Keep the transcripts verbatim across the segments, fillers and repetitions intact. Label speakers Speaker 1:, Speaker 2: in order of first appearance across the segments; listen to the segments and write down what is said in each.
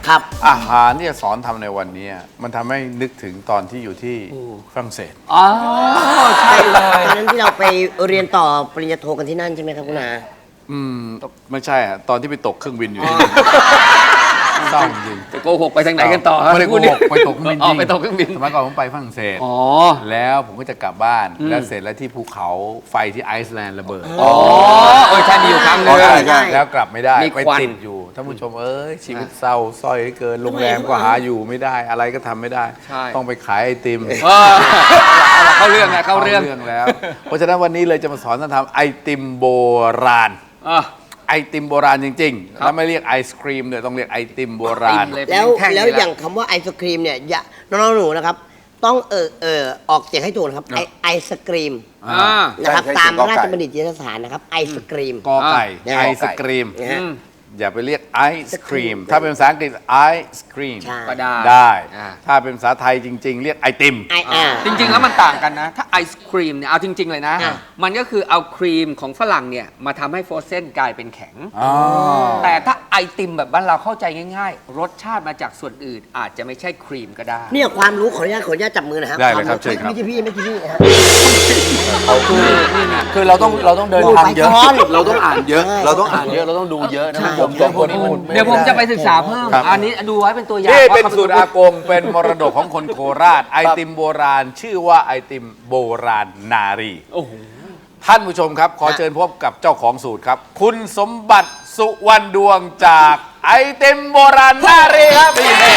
Speaker 1: ครับ
Speaker 2: อาหารที่จะสอนทำในวันนี้มันทำให้นึกถึงตอนที่อยู่ที่ฝรั่งเศส
Speaker 3: อ๋อใช่เลย
Speaker 1: ตอนนั้นที่เราไปเรียนต่อปริญญาโทกันที่นั่นใช่ไหมครับคุณอา
Speaker 2: อืมไม่ใช่อะตอนที่ไปตกเครื่องบินอยู่ที่เศร้าจริง
Speaker 3: จะโกหกไปทางไหนกันต่อ
Speaker 2: ไม่ได้โกหกไปตกเครื่องบิน
Speaker 3: อ๋อ
Speaker 2: จริง
Speaker 3: ไปตกเครื่องบิน
Speaker 2: สมัยก่อนผมไปฝรั่งเศส
Speaker 3: อ๋อ
Speaker 2: แล้วผมก็จะกลับบ้านแล้วเสร็จแล้วที่ภูเขาไฟที่ไอซ์แลนด์ระเบิด
Speaker 3: อ๋อเออใช่มีอยู่ครั้งหนึง
Speaker 1: ใช่ใช่
Speaker 2: แล้วกลับไม่ได้
Speaker 3: มี
Speaker 2: ไป
Speaker 3: ควัน
Speaker 2: ติดอยู่ท่านผู้ชมเอ้ยชีวิตเศร้าส้อยเกินโรงแรมก็หาอยู่ไม่ได้อะไรก็ทำไม่ได้
Speaker 3: ใช่
Speaker 2: ต้องไปขายไอติม
Speaker 3: เออเข้าเรื่องนะเข้าเรื่อง
Speaker 2: แล้ว เพราะฉะนั้นวันนี้เลยจะมาสอนท่านทำไอติมโบราณ
Speaker 3: อ่ะ
Speaker 2: ไอติมโบราณจริงๆ
Speaker 3: ครับ
Speaker 2: แล้วไม่เรียกไอศครีมเลยต้องเรียกไอติมโบราณ
Speaker 3: ไอติมเลย
Speaker 1: แล้ว
Speaker 3: เป็นท่ง
Speaker 1: แล้ว
Speaker 3: นี่ะ
Speaker 1: อย่างคำว่าไอศครีมเนี่ยอย่าน้องๆหนูนะครับ ต้องเออเออออกเสียงให้ถูกนะครับไอไอศครีม
Speaker 3: อ่า
Speaker 1: นะครับ
Speaker 4: ใช่ใช่
Speaker 1: ตาม
Speaker 4: เสียงกอไก่
Speaker 1: ราชบัณฑิตยสถานนะครับไอศครีม
Speaker 2: กอไก่
Speaker 1: อ่า
Speaker 2: ไอศครีม
Speaker 1: นะฮะ
Speaker 2: อย่าไปเรียกไอศครีม ถ้าเป็นภาษาอังกฤษไอศครีม
Speaker 1: ใช่
Speaker 3: ก็ได้
Speaker 2: ได้
Speaker 3: อ่า
Speaker 2: ถ้าเป็นภาษาไทยจริง ๆ เรียกไอติม
Speaker 1: ไออ่า
Speaker 3: จริง ๆ แล้วมันต่างกันนะ ถ้าไอศครีมเนี่ย เอาจริง ๆ เลยนะ
Speaker 1: อ่ะ
Speaker 3: มันก็คือเอาครีมของฝรั่งเนี่ย มาทำให้โฟรเซนกลายเป็นแข็ง
Speaker 2: อ๋อ
Speaker 3: แต่ถ้าไอติมแบบบ้านเราเข้าใจง่าย ๆ รสชาติมาจากส่วนอื่น อาจจะไม่ใช่ครีมก็ได้
Speaker 1: เนี่ยความรู้ขออนุญาตขออนุญาตจับมือนะครับ
Speaker 2: ได้เลยครับ
Speaker 1: วาม
Speaker 2: เชิญครับ
Speaker 1: ไม่ใช่พี่ไม่ใช่พี่นะฮะ
Speaker 4: คือเราต้องเราต้องเดินทางเยอะ
Speaker 1: โอ้ไปก่อน
Speaker 4: เราต้องอ่านเยอะ
Speaker 1: ใช่
Speaker 4: เราต้องอ่านเยอะเราต้องดูเยอะนะ
Speaker 1: ใช่
Speaker 4: ผมสองคนนี้มัน
Speaker 3: เดี๋ยวผมจะไปศึกษาเพิ่ม
Speaker 2: ครับ
Speaker 3: อันนี้ดูไว้เป็นตัวอย่าง
Speaker 2: นี่เป็น
Speaker 3: ว่าขา
Speaker 2: สูตรอากง เป็นมรดกของคนโคราช ไอติมโบราณ ชื่อว่าไอติมโบราณนารี
Speaker 3: โอ้โห
Speaker 2: ท่านผู้ชมครับ ขอเชิญพบกับเจ้าของสูตรครับ คุณสมบัติสุวรรณดวงจากไอติมโบราณนารีครับนี่แน่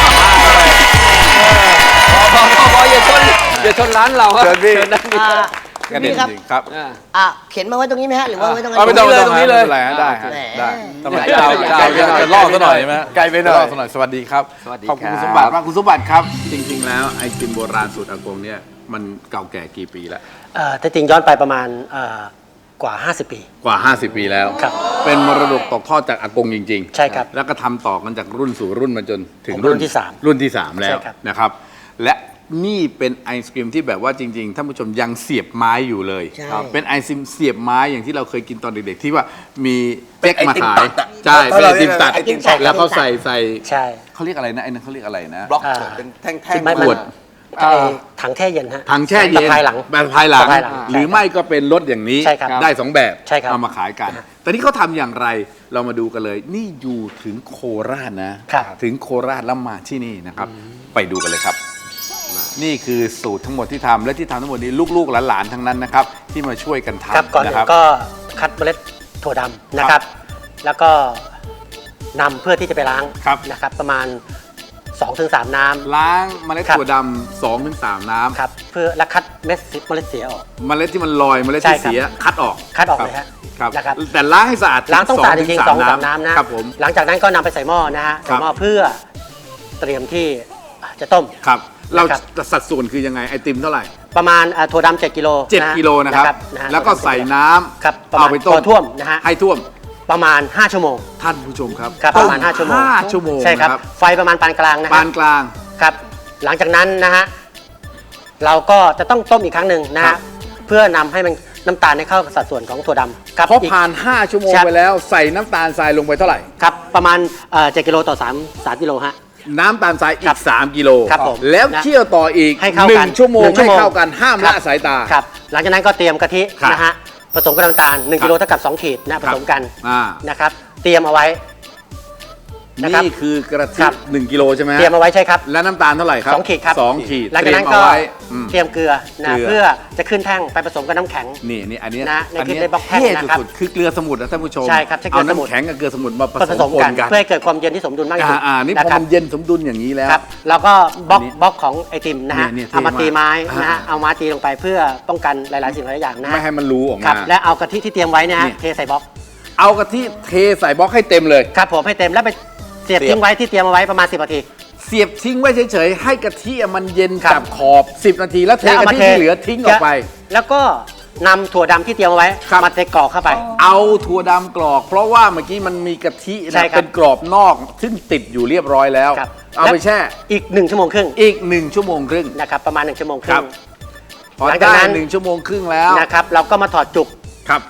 Speaker 3: พอพอพออย่าชนอย่าชนร้านเราครับ
Speaker 2: เชิญพี่
Speaker 3: ญนะพี่
Speaker 1: อ่า
Speaker 2: กระเด็น
Speaker 1: พี่ครับ
Speaker 2: จริงครับ
Speaker 3: อ่า
Speaker 1: อ่ะเข็นมาไว้ตรงนี้ไหมฮะหรือว่าไว้ตรง
Speaker 2: เอาไม่ต้อง
Speaker 3: ตรงนี้เลย
Speaker 2: ไม่ป็นไรฮะได้ฮะ
Speaker 1: แหม
Speaker 2: ได้ทำไม
Speaker 3: ยาวๆ
Speaker 2: จะจะจะล่อซะหน่อยใช่ไหม
Speaker 4: ไกลไปหน่อย
Speaker 2: ล่อซะหน่อยสวัสดีครับ
Speaker 3: สวัสดี
Speaker 2: ขอบคุณ
Speaker 3: ครับ
Speaker 2: คุณสมบัติมากคุณสมบัติครับ จริง ๆ แล้วไอติมโบราณสูตรอากงเนี่ยมันเก่าแก่กี่ปีแล้ว
Speaker 5: เอ่อแต่จริงย้อนไปประมาณเอ่อกว่า ห้าสิบ ปี
Speaker 2: กว่า ห้าสิบ ปีแล้ว
Speaker 5: ครับ
Speaker 2: เป็นมรดกตกทอดจากอากงจริงๆ
Speaker 5: ใช่ครับ
Speaker 2: แล้วก็ทำต่อกันจากรุ่นสู่รุ่นมาจนถึง
Speaker 5: ผมรุ่นที่สาม
Speaker 2: รุ่นที่สามแล้ว
Speaker 5: ใช่ครับ
Speaker 2: นะครับ และนี่เป็นไอศกรีมที่แบบว่าจริงๆท่านผู้ชมยังเสียบไม้อยู่เลย
Speaker 1: ใช่
Speaker 2: ครับเป็นไอซิมเสียบไม้อย่างที่เราเคยกินตอนเด็กๆ ที่ว่ามีเจ๊กมา
Speaker 4: เป็นไอติม
Speaker 2: ขาย
Speaker 4: ตัดอะ
Speaker 2: ใช่
Speaker 4: เอ
Speaker 2: เป็น
Speaker 4: อ
Speaker 2: ไอติมตัด
Speaker 4: ไอติมตัด
Speaker 2: แล้วเขาใส่ใส่
Speaker 5: ใช่
Speaker 2: เขาเรียกอะไรนะไอ้นั่นเขาเรียกอะไรนะ
Speaker 4: บล็อก
Speaker 5: อ่า
Speaker 4: เป็นแท่ง
Speaker 5: ที่
Speaker 4: ๆ
Speaker 5: ไม่
Speaker 2: ขวด
Speaker 5: ไอ้ถังแช่เย็นฮะ
Speaker 2: ถังแช่เย็น
Speaker 5: สะพายหลัง
Speaker 2: แบบภายหลัง
Speaker 5: สะพายหลัง
Speaker 2: หรือไม่ก็เป็นรถอย่างนี้
Speaker 5: ใช่ครับ
Speaker 2: ได้สองแบบ
Speaker 5: ใช่ครับ
Speaker 2: เอามาขายกัน แต่นี่เขาทำอย่างไรเรามาดูกันเลย นี่อยู่ถึงโคราชนะ
Speaker 5: ครับ
Speaker 2: ถึงโคราชแล้วมาที่นี่นะครับ ไปดูกันเลยครับ นี่คือสูตรทั้งหมดที่ทำและที่ทำทั้งหมดนี้ลูกๆหลานๆทั้งนั้นนะครับ ที่มาช่วยกัน
Speaker 5: ครับ
Speaker 2: ทำ
Speaker 5: ก่อนอื่
Speaker 2: นะครั
Speaker 5: นก็คัดเมล็ดถั่วดำนะครับ แล้วก็นำเพื่อที่จะไปล้าง
Speaker 2: ครับ
Speaker 5: นะครับ ประมาณ สองถึงสาม น้ำ
Speaker 2: ล้างเมล็ด
Speaker 5: ครับ
Speaker 2: ถั่วดำสองถึงสามน้ำ
Speaker 5: ครับเพื่อแล้วคัดเม็ดเมล็ดเสียออก
Speaker 2: เมล็ดที่มันลอยเมล็ด
Speaker 5: ใช่
Speaker 2: ที่
Speaker 5: ครับ
Speaker 2: เสียคัดออก
Speaker 5: คัดออกเลยฮะ
Speaker 2: ครับ
Speaker 5: นะครับ
Speaker 2: แต่ล้างให้สะอาด
Speaker 5: ล้างต้องสะอาดจริงๆสองสาม
Speaker 2: น้ำ
Speaker 5: น้ำนะครับ
Speaker 2: ผม
Speaker 5: หลังจากนั้นก็นำไปใส่หม้อนะฮะ
Speaker 2: ครั
Speaker 5: ใส่
Speaker 2: บ
Speaker 5: หม้อเพื่อเตรียมที่จะต้ม
Speaker 2: ครับเรา
Speaker 5: นะครับ
Speaker 2: สัดส่วนคือยังไงไอติมเท่าไหร่
Speaker 5: ประมาณอ่าถั่วดำเจ็ดกิโล
Speaker 2: เจ็ด
Speaker 5: นะฮะ
Speaker 2: กิโลนะครับ
Speaker 5: นะฮะ
Speaker 2: แล้วก็ใส่น้ำ
Speaker 5: ครับประมา
Speaker 2: เอา
Speaker 5: ณ
Speaker 2: ไปต้
Speaker 5: พ
Speaker 2: ม
Speaker 5: อท่วมนะฮะ
Speaker 2: ให้ท่วม
Speaker 5: ประมาณ ห้า ชั่วโมง
Speaker 2: ท่านผู้ชมครับ
Speaker 5: ครับประมาณ ห้า ชั่วโมง
Speaker 2: ห้าชั่วโมง
Speaker 5: ใช่ครับ
Speaker 2: นะ
Speaker 5: ไฟประมาณปานกลางนะฮะ
Speaker 2: ปานกลาง
Speaker 5: ครับ หลังจากนั้นนะฮะเราก็จะต้องต้มอีกครั้งหนึ่งนะ
Speaker 2: ครั
Speaker 5: ฮะ
Speaker 2: บ
Speaker 5: เพื่อนำให้มันน้ำตาลให้เข้ากับสัดส่วนของถั่วดำครับ
Speaker 2: พอ
Speaker 5: อีก
Speaker 2: ผ่าน ห้า ชั่วโมง
Speaker 5: ครับ
Speaker 2: ไปแล้วใส่น้ำตาลทรายลงไปเท่าไหร่
Speaker 5: ครับประมาณเอ่อเจ็ดกิโลต่อสาม สามกิโลฮะ
Speaker 2: น้ำตาลทรายอี
Speaker 5: ครั
Speaker 2: ก
Speaker 5: บ
Speaker 2: สามกิโล
Speaker 5: ครับผม
Speaker 2: แล้ว
Speaker 5: นะ
Speaker 2: เคี่ยวต่ออีก
Speaker 5: ให้เข้า
Speaker 2: หนึ่
Speaker 5: กัน
Speaker 2: งชั่วโมง
Speaker 5: หนึ่งชั่
Speaker 2: ให้
Speaker 5: วโมง
Speaker 2: เข้ากันห้าม
Speaker 5: ครั
Speaker 2: ละ
Speaker 5: บ
Speaker 2: สายตา
Speaker 5: ครับหลังจากนั้นก็เตรียมกะทิ
Speaker 2: ครับ
Speaker 5: นะฮะผสมกับน้ำตาลหนึ่ง
Speaker 2: ครับ
Speaker 5: กิโลเท่ากับสองขีดนะผสมกัน
Speaker 2: อ่า
Speaker 5: นะครับ เตรียมเอาไว้นะครับ
Speaker 2: นี่คือกระทิ
Speaker 5: ครับ
Speaker 2: หนึ่งกิโลใช่ไหมฮะ
Speaker 5: เตรียมเอาไว้ใช่ครับ
Speaker 2: และน้ำตาลเท่าไหร่ครับ
Speaker 5: สองขีดครับ
Speaker 2: สองขีด
Speaker 5: หลังจากนั้น
Speaker 2: เตรียม
Speaker 5: ก็
Speaker 2: เอาไว้อืม
Speaker 5: เตรียมเกลือนะ
Speaker 2: เกลือ
Speaker 5: เพื่อจะขึ้นแท่งไปผสมกับน้ำแข็ง
Speaker 2: นี่นี่อันเนี้ย
Speaker 5: นะใน
Speaker 2: อัน
Speaker 5: คลิป
Speaker 2: เนี้ย
Speaker 5: ได้บล็อกแท่ง
Speaker 2: เท่
Speaker 5: นะครับ
Speaker 2: สุดๆคือเกลือสมุนนะท่านผู้ชม
Speaker 5: ใช่ครับใช้เกลื
Speaker 2: เอา
Speaker 5: อสมุน
Speaker 2: น้ำแข็งกับเกลือสมุนมาผ
Speaker 5: ผ
Speaker 2: ส
Speaker 5: ส
Speaker 2: ม
Speaker 5: ม
Speaker 2: ป
Speaker 5: กัน น
Speaker 2: กัน
Speaker 5: เพื่อให้เกิดความเย็นที่สมดุลมากที่
Speaker 2: อ่า
Speaker 5: สุด
Speaker 2: อ่านี่พ
Speaker 5: นะ
Speaker 2: อ
Speaker 5: ครับ
Speaker 2: มันเย็นสมดุลอย่างนี้แล้ว
Speaker 5: ครับแล้วก็บล็อก
Speaker 2: อันนี้
Speaker 5: บล็อกของไอติมนะฮะ
Speaker 2: เนี่ยเนี่ย
Speaker 5: เอามา
Speaker 2: เท่มาก
Speaker 5: ตีไม้นะ
Speaker 2: อ่า
Speaker 5: ฮะเอามาตีลงไปเพื่อป้องกันหลาย ๆ สิ่งหลายอย่างนะฮะ
Speaker 2: ไม่ให้มันรู้ออก
Speaker 5: ครั
Speaker 2: มา
Speaker 5: บและเอากะทิที่เตรียมไว้นะฮะ
Speaker 2: นี่
Speaker 5: เทใส่บล็อก
Speaker 2: เอากะทิเทใส่บล็อกให้เต็มเลย
Speaker 5: ครับผมให้เต็มแล้วไปเสียบ
Speaker 2: เสียบ
Speaker 5: ทิ้งไว้ที่เตรียมเอาไว้ประมาณสิบนาที
Speaker 2: เสียบทิ้งไว้เฉยๆให้กะทิมันเย็น
Speaker 5: ครับ
Speaker 2: จับขอบ สิบ นาทีแล้วเท
Speaker 5: แล้วเอา
Speaker 2: กะ
Speaker 5: มา
Speaker 2: ทิ
Speaker 5: เท
Speaker 2: ที่เหลือทิ้งออกไป
Speaker 5: แล้วก็นำถั่วดำที่เตรียมเอาไว้
Speaker 2: ครับ
Speaker 5: มาเทกรอกเข้าไป
Speaker 2: เอาถั่วดำกรอก เพราะว่าเมื่อกี้มันมีกะทิ
Speaker 5: ใช่
Speaker 2: นะครับ เป็นกรอบนอกซึ่งติดอยู่เรียบร้อยแล้ว
Speaker 5: ครับ
Speaker 2: เอาไปแช่
Speaker 5: อีกหนึ่งชั่วโมงครึ่ง
Speaker 2: อีกหนึ่งชั่วโมงครึ่ง
Speaker 5: นะครับประมาณหนึ่งชั่วโมงค
Speaker 2: ครั
Speaker 5: รึ่
Speaker 2: บ
Speaker 5: ง
Speaker 2: พอ
Speaker 5: หลังจาก
Speaker 2: ได้
Speaker 5: นั้น
Speaker 2: หนึ่งชั่วโมงครึ่งแล้ว
Speaker 5: นะครับเราก็มาถอดจุก
Speaker 2: ครับ
Speaker 5: ข้าง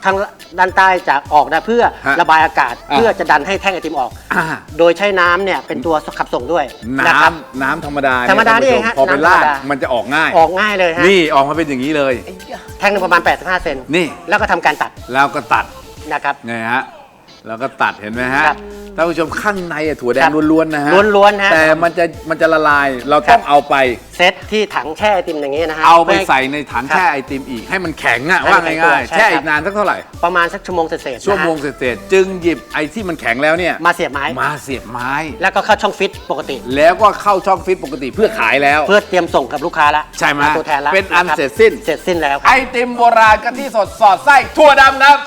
Speaker 5: ด้านใต้จะออกนะเพื่อ
Speaker 2: ฮะ
Speaker 5: ระบายอากาศ
Speaker 2: อ่า
Speaker 5: เพื่อจะดันให้แท่งไอติมออก
Speaker 2: อ่า
Speaker 5: โดยใช้น้ำเนี่ยเป็นตัวขับส่งด้วย
Speaker 2: น้
Speaker 5: นะครับ
Speaker 2: ำน้ำธรรมดาเนี่ย
Speaker 5: ธรรมดานี่เอง
Speaker 2: ท่
Speaker 5: ฮะ
Speaker 2: นผู้ชมพอไป
Speaker 5: น้ำธรรม
Speaker 2: ลาด
Speaker 5: ดา
Speaker 2: มันจะออกง่าย
Speaker 5: ออกง่ายเลยฮะ
Speaker 2: นี่ออกมาเป็นอย่างนี้เลย
Speaker 5: แท่งหนึงประมาณแปดสิบห้าเซน
Speaker 2: นี่
Speaker 5: แล้วก็ทำการตัด
Speaker 2: แล้วก็ตัด
Speaker 5: นะครับ
Speaker 2: ไงฮะแล้วก็ตัดเห็นไหมฮะ
Speaker 5: ครับ
Speaker 2: ท่านผู้ชมข้างในอะถั่วแด
Speaker 5: ครั
Speaker 2: ง
Speaker 5: บ
Speaker 2: ล้วนๆนะฮะ
Speaker 5: ล้วนๆฮะ
Speaker 2: แต่มันจะมันจะละลายเรา
Speaker 5: ครั
Speaker 2: ต้
Speaker 5: บ
Speaker 2: องเอาไป
Speaker 5: เซตที่ถังแช่ไอติมอย่างนี้นะฮะ
Speaker 2: เอาไป
Speaker 5: พื่ให้
Speaker 2: ใส่ในถัง
Speaker 5: ครับ
Speaker 2: แช่ไอติมอีกให้มันแข็งอะ
Speaker 5: ให้
Speaker 2: ว่า
Speaker 5: มันแข็ง
Speaker 2: ง่าย
Speaker 5: ตัว
Speaker 2: ๆ
Speaker 5: ใช่
Speaker 2: แช่
Speaker 5: ครับ
Speaker 2: อีกนานสักเท่าไหร่
Speaker 5: ประมาณสักชั่วโมงเศษๆ
Speaker 2: ชั่วโมง
Speaker 5: นะฮะ
Speaker 2: เศษๆจึงหยิบไอ้ที่มันแข็งแล้วเนี่ย
Speaker 5: มาเสียบไม้
Speaker 2: มาเสียบไม้
Speaker 5: แล้วก็เข้าช่องฟิตปกติ
Speaker 2: แล้วก็เข้าช่องฟิตปกติเพื่อขายแล้ว
Speaker 5: เพื่อเตรียมส่งกับลูกค้าละ
Speaker 2: ใช่ไหม
Speaker 5: ตัวแทนละ
Speaker 2: เป็นอัน
Speaker 5: ครับ
Speaker 2: เสร็จสิ้น
Speaker 5: เสร็จสิ้นแล้วค
Speaker 2: ไอ
Speaker 5: รับ
Speaker 2: ติมโบราณกะทิสดสอดไส้ถั่วดำครับ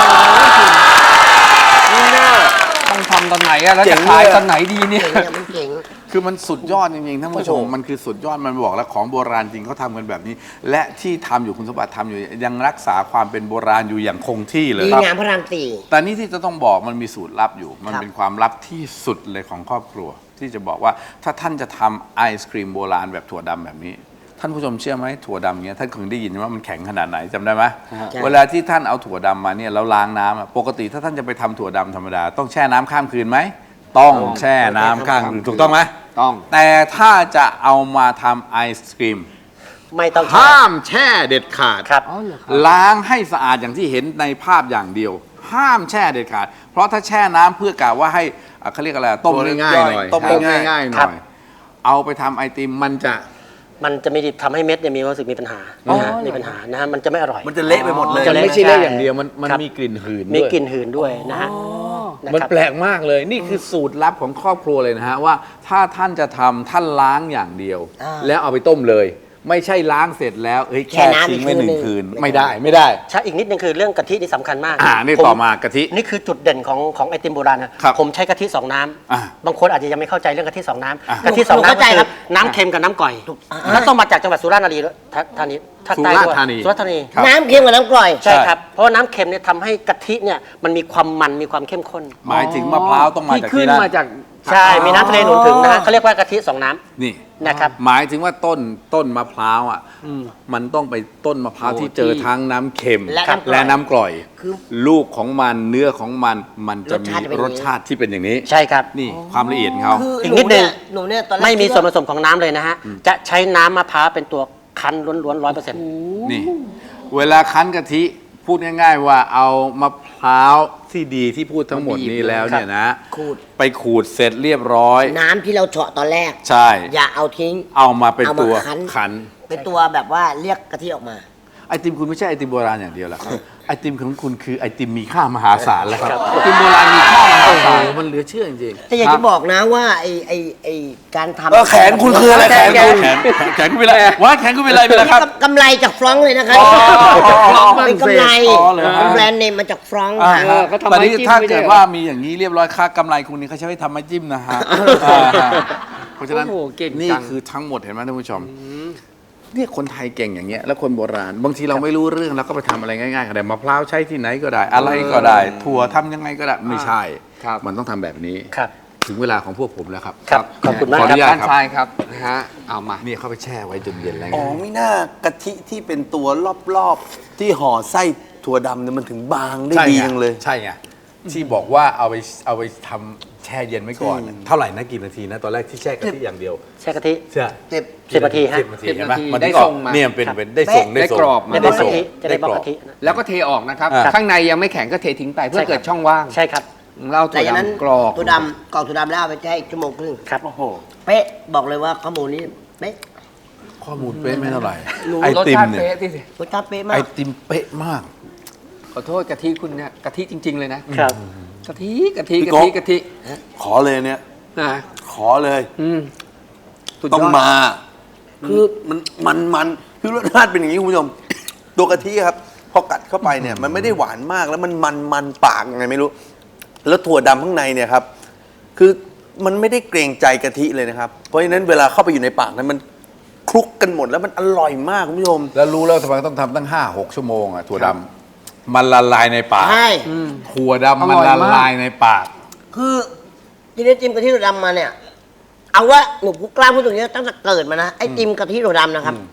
Speaker 3: นี่น่าต้องทำตอนไหนอะแล้ว
Speaker 4: เจ๋
Speaker 3: จะ
Speaker 4: ง
Speaker 3: ขาย
Speaker 4: เลยอะ
Speaker 3: ตอนไหนดีเนี่ย
Speaker 1: เจ๋งเนี่ยมันเจ๋ง
Speaker 2: คือมันสุดยอดจริงๆท่านผู้ชม
Speaker 4: โอ้โห
Speaker 2: มันคือสุดยอดมันบอกแล้วของโบราณจริงเขาทำกันแบบนี้ และที่ทำอยู่คุณสมบัติทำอยู่ยังรักษาความเป็นโบราณอยู่อย่างคงที่เลย
Speaker 1: ดี
Speaker 2: ครับ
Speaker 1: งามพระรามสี่
Speaker 2: แต่นี่ที่จะต้องบอกมันมีสูตรลับอยู่ มัน
Speaker 1: ครับ
Speaker 2: เป็นความลับที่สุดเลยของครอบครัว ที่จะบอกว่าถ้าท่านจะทำไอศครีมโบราณแบบถั่วดำแบบนี้ ท่านผู้ชมเชื่อไหมถั่วดำเนี้ยท่านคงได้ยินว่ามันแข็งขนาดไหนจำได้ไหม
Speaker 1: ใช่
Speaker 2: เวลาที่ท่านเอาถั่วดำมาเนี่ยแล้วล้างน้ำอะปกติถ้าท่านจะไปทำถั่วดำธรรมดาต้องแช่น้ำข้ามคืนไหมต้องแช่น้ำข้ามคืนถูกต้องไหม
Speaker 3: ต้อง
Speaker 2: แต่ถ้าจะเอามาทำไอศครีม
Speaker 5: ไม่ต้องแช่
Speaker 2: ห้ามแช่เด็ดขาด
Speaker 5: ครับ
Speaker 2: ล้างให้สะอาดอย่างที่เห็นในภาพอย่างเดียว ห้ามแช่เด็ดขาด เพราะถ้าแช่น้ำเพื่อกะว่าให้อ่ะเขาเรียกอะไรต้มง่ายๆหน่อย
Speaker 4: ต้ม
Speaker 2: ให้
Speaker 4: ง่ายๆ
Speaker 2: ง่ายๆห
Speaker 5: ครั
Speaker 2: น่
Speaker 5: บ
Speaker 2: อย เอาไปทำไอติมมันจะ
Speaker 5: มันจะมีทำให้เม็ดเนี่ยมีความรู้สึกมีปัญหานะฮะมีปัญหานะฮะมันจะไม่อร่อย
Speaker 4: มันจะเละไปหมดเลย
Speaker 5: จะ
Speaker 2: มัน
Speaker 5: เละ
Speaker 2: ไม่ใช่เละอย่างเดียวมันมัน
Speaker 5: ครับ
Speaker 2: มีกลิ่นหืน
Speaker 5: มี
Speaker 2: ด้วย
Speaker 5: กลิ่นหืนด้วยนะฮะะ
Speaker 2: มัน
Speaker 5: ครับ
Speaker 2: แปลกมากเลย นี่คือสูตรลับของครอบครัวเลยนะฮะว่าถ้าท่านจะทำท่านล้างอย่างเดียว
Speaker 1: อ่า
Speaker 2: แล้วเอาไปต้มเลย ไม่ใช่ล้างเสร็จแล้วเอ้ย
Speaker 1: แช่
Speaker 2: แช่
Speaker 1: น้ำ
Speaker 2: ทิ้งไว้
Speaker 1: อีก
Speaker 2: หนึ่ง
Speaker 1: คื
Speaker 2: คื
Speaker 1: น
Speaker 2: น
Speaker 1: หนึ่ง
Speaker 2: ไม่ได้ไม่ได้
Speaker 5: ใช่อีกนิดนึงคือเรื่องกะทินี่สำคัญมาก
Speaker 2: อ่านี่
Speaker 5: ผ
Speaker 2: ต่อมากะทิ
Speaker 5: นี่คือจุดเด่นของของไอติมโบราณนะครับ ผมใช้กะทิสองน้ำ
Speaker 2: อ่า
Speaker 5: บางคนอาจจะยังไม่เข้าใจเรื่องกะทิสองน้
Speaker 2: อ่า
Speaker 5: ำกะทิสอง
Speaker 1: หนู
Speaker 5: น้ำ
Speaker 1: เข้าใจ
Speaker 5: ก็
Speaker 1: ครั
Speaker 5: คื
Speaker 1: บ
Speaker 5: อน้ำเค็มกับน้ำก่อย
Speaker 1: อ่า
Speaker 5: แล้วต้องมาจากจังหวัดสุราษฎร์ธานีด้วยท่าธานีภาคใต้ด้วย
Speaker 2: สุราษฎร์ธานี
Speaker 5: สุราษฎร์ธานี
Speaker 2: ครับ
Speaker 1: น้ำเค็มกับน้ำกร่อย
Speaker 5: ใช่ครับ เพราะว่าน้ำเค็มเนี่ยทำให้กะทิเนี่ยมันมีความมันมีความเข้มข้น
Speaker 2: หมายถึงมะพร้าวต้องมา
Speaker 3: ที่
Speaker 2: จาก
Speaker 3: ขึ้
Speaker 2: ที่
Speaker 3: น
Speaker 2: นั่น
Speaker 3: มาจาก
Speaker 5: ใช่ มีน้ำทะเลหนุนถึงนะฮะเขาเรียกว่ากะทิสองน้ำ
Speaker 2: นี่
Speaker 5: นะครับ
Speaker 2: หมายถึงว่าต้นต้นมะพร้าวอ่ะมันต้องไปต้นมะพร้าว
Speaker 3: โอ้
Speaker 2: ที่เจอ
Speaker 3: ที่
Speaker 2: ทั้งน้ำเค็ม
Speaker 1: และน้ำกร่อย
Speaker 2: และน้ำกร่อย
Speaker 1: คือ
Speaker 2: ลูกของมันเนื้อของมันมันจะมี
Speaker 1: รสชาติจะเป็นอย่างนี้
Speaker 2: รสชาติที่เป็นอย่างนี้
Speaker 5: ใช่ครับ
Speaker 2: นี่ความละเอียดของเขา
Speaker 1: คือ
Speaker 5: อีก
Speaker 1: ห
Speaker 5: นิดนึง
Speaker 1: เยหนูเนี่ยตอนแรก
Speaker 5: ไม่มี
Speaker 1: คิด
Speaker 5: ส่วนผสมของน้ำเลยนะฮะ จะใช้น้ำมะพร้าวเป็นตัวคั้นล้วนๆร้อยเปอร์เซ็นต์
Speaker 2: นี่ เวลาคั้นกะทิพูดง่าย ๆ ว่าเอามะพร้าวที่ดีที่พูดทั้งหมดนี้แล้วเนี่ยนะ
Speaker 1: ขูด
Speaker 2: ไปขูดเสร็จเรียบร้อย
Speaker 1: น้ำที่เราเฉาะตอนแรก
Speaker 2: ใช่
Speaker 1: อย่าเอาทิ้ง
Speaker 2: เอามาเป็น
Speaker 1: เอามา
Speaker 2: ตัว
Speaker 1: คั้น
Speaker 2: ขัน
Speaker 1: เป็นตัวแบบว่าเรียกกะทิออกมา
Speaker 2: ไอติมคุณไม่ใช่ไอติมโบราณอย่างเดียวหรอกครับ ไอติมของคุณคือไอติมมีค่ามหาศาลแล้วครับไอติมโบราณมีค่ามหาศาลมันเหลือเชื่อจริงๆ
Speaker 1: แต่อยากจะบอกนะว่าไอไอไอการทำ
Speaker 4: เออแขนคุณคืออะไรแขนคุณ
Speaker 2: แขนแขนคุณเป็นไรว่าแขนคุณเป็นไรไปแล้วครับ
Speaker 1: กำไรจากฟรองก์เลยนะครับ
Speaker 2: อ๋อ
Speaker 1: เป็นกำไร
Speaker 2: อ๋อเหรอฮะ
Speaker 1: เป็นแบรนด์เนมมาจากฟรองก์
Speaker 2: อ่า
Speaker 1: ค่ะ
Speaker 2: ฮะ
Speaker 3: เขาทำ
Speaker 2: ตอนนี้
Speaker 3: ไม้จิ้ม
Speaker 2: ถ้า
Speaker 3: ไม่ได้
Speaker 2: เกิด
Speaker 3: เหรอ
Speaker 2: ว่ามีอย่างนี้เรียบร้อยค่ากำไรคุณนี่เขาใช้ไว้ทำไม้จิ้มนะฮะอ่าฮะเพราะฉะนั้น
Speaker 3: โอ้โหเก่ง
Speaker 2: นี่
Speaker 3: จัง
Speaker 2: คือทั้งหมดเห็นไหมท่านผู้ชมเนี่ยคนไทยเก่งอย่างเงี้ยแล้วคนโบราณ บางทีเราไม่รู้เรื่องแล้วก็ไปทำอะไรง่ายๆก็ได้มะพร้าวใช้ที่ไหนก็ได้ อะไรก็ได้ ถั่วทำยังไงก็ได้ไม่ใช่
Speaker 3: ครับ
Speaker 2: มันต้องทำแบบนี้
Speaker 5: ครับ
Speaker 2: ถึงเวลาของพวกผมแล้วครับ
Speaker 5: ครับขอบคุณมาก
Speaker 2: ขออ
Speaker 5: ครับ
Speaker 2: นุญาต
Speaker 3: ด้าน
Speaker 2: ครับ
Speaker 3: ซ้ายครับนะฮะเอามา
Speaker 2: นี่เข้าไปแช่ไว้จนเย็นแล้วไง
Speaker 4: อ๋อไม่น่ากะทิที่เป็นตัวรอบๆ ที่ห่อไส้ถั่วดำเนี่ยมันถึงบางได้ดีจังเลย
Speaker 2: ใช่ไงที่บอกว่าเอาไปเอาไปทำแช่เย็นไว้ก่อน เท่าไหร่นะกี่นาทีนะตอนแรกที่แช่กะทิอย่างเดียว
Speaker 5: ใช้กะทิ
Speaker 2: ใช่
Speaker 1: สิบ
Speaker 5: สิบนาทีฮะ
Speaker 2: สิบนาทีเห็นไหม
Speaker 3: สิบนาที
Speaker 2: มัน
Speaker 3: ได้
Speaker 2: ก็
Speaker 3: ทรงมา
Speaker 2: เนี่ยเป็นเป็นได้ส่ง
Speaker 3: ได้
Speaker 2: ส่ง
Speaker 3: กรอบมา
Speaker 5: จะได้บล็อก
Speaker 2: ส่ง
Speaker 5: กะทิจะได้บล็อก
Speaker 2: ร
Speaker 5: กะทินะ
Speaker 3: แล้วก็เทออกนะครับ
Speaker 2: อ่า
Speaker 3: ข้างในยังไม่แข็งก็เททิ้งไปเพื่อ
Speaker 5: ใช่ครับ
Speaker 3: เกิดช่องว่าง
Speaker 5: ใช่ครับ
Speaker 3: เรา
Speaker 1: แต่
Speaker 3: ถั่ว
Speaker 1: อย่างนั้น
Speaker 3: ดำกรอก
Speaker 1: ตัวดำกรอกตัวดำแล้วเอาไปแช่อีกชั่วโมงครึ่ง
Speaker 5: ครับโอ้โห
Speaker 1: เป๊ะบอกเลยว่าข้อมูลนี้เป๊ะ
Speaker 2: ข้อมูลเป๊ะไม่เท่าไหร่
Speaker 1: รู้
Speaker 2: ไอ
Speaker 3: รส
Speaker 2: ติม
Speaker 3: ชาติ
Speaker 2: เนี่ย
Speaker 3: เป๊ะที่สิ
Speaker 1: รสชาติเป๊ะมา
Speaker 2: ไอก ติมเป๊ะมาก
Speaker 3: ขอโทษกะทิคุณเนี่ยกะทิจริง ๆ เลยนะครับ กะทิกะทิ
Speaker 4: พี่
Speaker 3: กะ
Speaker 4: โก๊
Speaker 3: ทิ
Speaker 4: ก
Speaker 3: กะทิ
Speaker 4: ขอเลยเนี่ย
Speaker 3: นะ
Speaker 4: ขอเลย
Speaker 3: อืมสุดย
Speaker 4: ต้อง
Speaker 3: ด
Speaker 4: มา คือมันมันมันคือรสชาติเป็นอย่างนี้คุณผู้ชม ตัวกะทิครับ พอกัดเข้าไปเนี่ย มันไม่ได้หวานมากแล้วมันมันมันปากยังไงไม่รู้ แล้วถั่วดำข้างในเนี่ยครับ คือมันไม่ได้เกรงใจกะทิเลยนะครับ เพราะฉะนั้นเวลาเข้าไปอยู่ในปากนั้นมันคลุกกันหมดแล้วมันอร่อยมากคุณผู้ชม
Speaker 2: แล้วรู้แล้วทำไมต้องทำตั้งห้าหกชั่วโมงอ่ะถั่วดำมันละลายในปาก
Speaker 1: ใช่
Speaker 2: ถั่วดำมันละลายในปาก
Speaker 1: คือที่ได้จิ้มกะทิถั่วดำมาเนี่ย เอาว่าหนูกล้าพูดตรงนี้ตั้งแต่เกิดมานะไอ้จิ้มกะทิถั่วดำนะครับ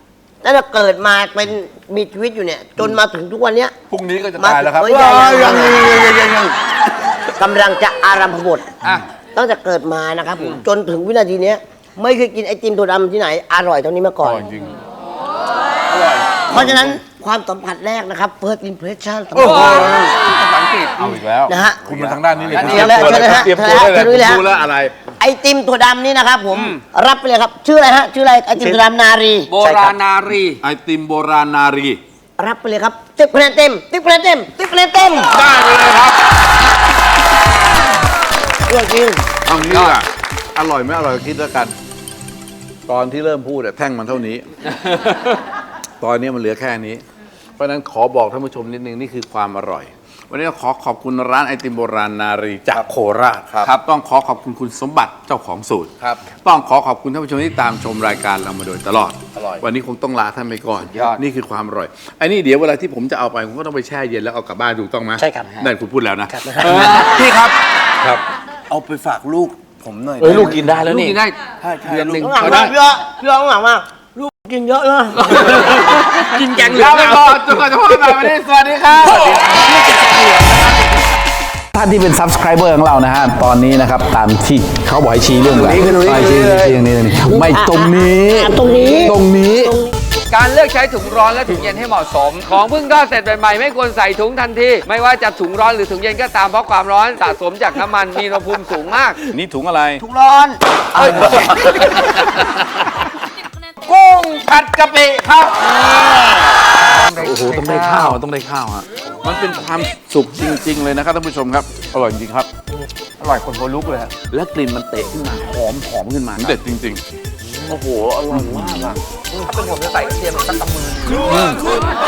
Speaker 1: ตั้งแต่เกิดมาเป็นมีชีวิตอยู่เนี่ย จนมาถึงทุกวันเนี้ย
Speaker 2: พรุ่งนี้ก็จะตายแล้วครับ
Speaker 1: มาถึงเอ้ย
Speaker 2: อ้าว
Speaker 1: ยั
Speaker 2: ยัง ง
Speaker 1: ยัง
Speaker 2: ยังยังยัง
Speaker 1: กำลังจะอารัมพบท
Speaker 3: อ่ะ
Speaker 1: ตั้งแต่เกิดมานะครับผมจนถึงวินาทีเนี้ยไม่เคยกินไอติมถั่วดำที่ไหนอร่อยเท่านี้มาก่อน
Speaker 2: จริง
Speaker 1: เพราะฉะนั้นความสัมผัสแรกนะครับ first impression สำ
Speaker 2: โอ้โห
Speaker 1: คัญ
Speaker 3: ภาษาอังกฤษ
Speaker 2: เอาอีกแล้ว
Speaker 1: นะฮะ
Speaker 2: คุณมาทางด้านนี้เลย
Speaker 1: เชิญเลยเชิญเลยฮะ
Speaker 2: เตรียมตัวได้เลย
Speaker 1: เชิญเลยฮะ
Speaker 2: รู้แล้วอะไร
Speaker 1: ไอติมถั่วดำนี่นะครับผมรับไปเลยครับ ชื่ออะไรฮะ ชื่ออะไรไอติมถั่วดำนารี
Speaker 3: โบราณนารี
Speaker 2: ไอติมโบราณนารี
Speaker 1: รับไปเลยครับสิบคะแนนเต็มสิบคะแนนเต็มสิบคะแนนเต็ม
Speaker 2: ได้ไปเลยครับ
Speaker 1: เรื่องจริง
Speaker 2: เอางี้อ่ะอร่อยไม่อร่อยคิดแล้วกัน ตอนที่เริ่มพูดอะแท่งมันเท่านี้ ตอนนี้มันเหลือแค่นี้ เพราะฉะนั้นขอบอกท่านผู้ชมนิดนึงนี่คือความอร่อย วันนี้เราขอขอบคุณร้านไอติมโบราณนารีจากโคราช
Speaker 4: ครับ
Speaker 2: ต้องขอขอบคุณคุณสมบัติเจ้าของสูตร
Speaker 4: ครับ
Speaker 2: ต้องขอขอบคุณท่านผู้ชมที่ตามชมรายการเรามาโดยตลอด
Speaker 4: อร่อย
Speaker 2: วันนี้คงต้องลาท่านไปก่อน
Speaker 3: ยอด
Speaker 2: นี่คือความอร่อยไอ้นี่เดี๋ยวเวลาที่ผมจะเอาไปผมก็ต้องไปแช่เย็นแล้วเอากลับบ้านถูกต้องไหม
Speaker 5: ใช่ครับ
Speaker 2: นั่นคุณพูดแล้วนะครับ เออพี่ครับครับ
Speaker 4: เอาไปฝากลูกผมหน่อย
Speaker 2: เออลูกกินได้แล้ว
Speaker 3: ลูก
Speaker 2: นี่
Speaker 3: กินได้
Speaker 4: ใช่ใช่
Speaker 3: เดือนหนึ่ง
Speaker 1: ข้างหลัง
Speaker 2: เอาได้
Speaker 1: มากเยอะเยอะข้างหลังมากลูกกินเยอะเลย
Speaker 3: กินแกงเหลือ
Speaker 2: ลาง ไป
Speaker 3: แล้ว
Speaker 2: ก่อนจนกว่าจะพบกันใหม่วันนี้สวัสดีครับท่านที่เป็น subscriber ของเรานะฮะ ตอนนี้นะครับ ตามที่เขาบอกให้ชี้เรื่องอะไรไม่ชี้ชี้อย่างนี้ตรงนี้ไม่ตรงนี้
Speaker 1: อ่ะตรงนี้
Speaker 2: ตรงนี้
Speaker 3: การเลือกใช้ถุงร้อนและถุงเย็นให้เหมาะสม ของเพิ่งทอดเสร็จใหม่ๆไม่ควรใส่ถุงทันทีไม่ว่าจะถุงร้อนหรือถุงเย็นก็ตามเพราะความร้อนสะสมจากน้ำมันมีอุณหภูมิสูงมาก
Speaker 2: นี่ถุงอะไร
Speaker 1: ทุกร้อน
Speaker 2: กุ้งผัดกะปิครับ โอ้โห ต้องได้ข้าว ต้องได้ข้าวฮะ มันเป็นความสุขจริง ๆ เลยนะครับท่านผู้ชมครับ อร่อยจริงๆครับ
Speaker 3: อร่อยคนโบลุกเลยอะ
Speaker 2: แล้วกลิ่นมันเตะขึ้นมา หอมหอมขึ้นมา เด็ดจริง ๆ โอ้โห อร่อยมากอ่ะ
Speaker 3: ถ้าเป็นผมจะใส่กระเทียมสักกำมือ